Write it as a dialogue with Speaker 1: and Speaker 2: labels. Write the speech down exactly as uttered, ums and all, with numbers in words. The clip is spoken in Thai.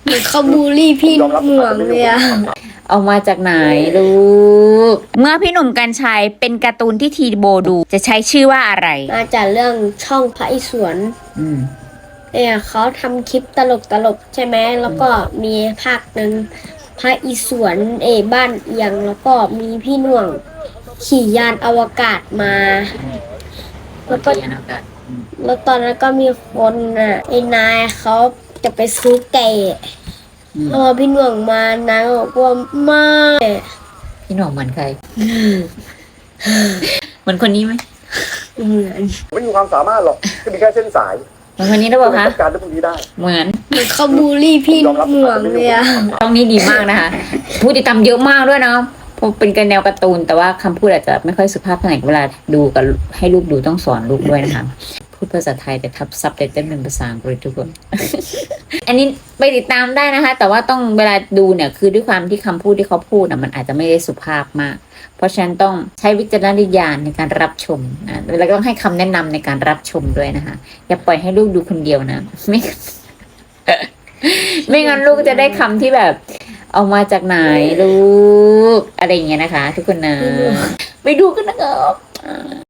Speaker 1: เหมือนเขาบูลลี่พี่หน่วงเลยอะ
Speaker 2: เอามาจากไหนลูก เมื่อพี่หนุ่มกรรชัยเป็นการ์ตูนที่ทีโบดู จะใช้ชื่อว่าอะไร
Speaker 1: มาจากเรื่องช่องพระอิศวร
Speaker 2: อืม
Speaker 1: เนี่ยเขาทำคลิปตลกตลกใช่ไหมแล้วก็มีภาคหนึ่งพระอิศวรเออบ้านเอียงแล้วก็มีพี่หน่วงขี่ยานอวกาศมา แล้วก็แล้วตอนนั้นก็มีคนอ่ะไอ้นายเขาจะไปซื้อไก่พอพี่หน่วงมานายบอกว่าไม่
Speaker 2: พี่หน่องเหมือนใคร เหมือนคนนี้ไหม
Speaker 1: เหมือน
Speaker 3: ไม่มีความสามารถหรอกก็มีแค่เส้นสาย
Speaker 2: เหมือนคนนี้หรือเปล่าคะ
Speaker 3: จัดการเรื่องพวกนี้ได้
Speaker 2: เหมือน
Speaker 1: เหมือนเขาบูลลี่พี่หน่วงเลยอะ
Speaker 2: ช่องนี้ดีมากนะคะผู้ติดตามเยอะมากด้วยเนาะเพราะเป็นกันแนวการ์ตูนแต่ว่าคำพูดอาจจะไม่ค่อยสุภาพเท่าไหร่เวลาดูกับให้ลูกดูต้องสอนลูกด้วยนะคะพูดภาษาไทยแต่ทับซับไตเติ้ลเป็นภาษาอังกฤษทุกคน อันนี้ไปติดตามได้นะคะ แต่ว่าต้องเวลาดูเนี่ยคือด้วยความที่คำพูดที่เขาพูดนะมันอาจจะไม่ได้สุภาพมาก เพราะฉะนั้นต้องใช้วิจารณญาณในการรับชมนะแล้วก็ต้องให้คำแนะนำในการรับชมด้วยนะคะอย่าปล่อยให้ลูกดูคนเดียวนะไม่ ไม่งั้นลูกจะได้คำที่แบบ เอามาจากไหนลูกอะไรอย่างเงี้ยนะคะ ทุกคนนะ ไปดูกันนะครับ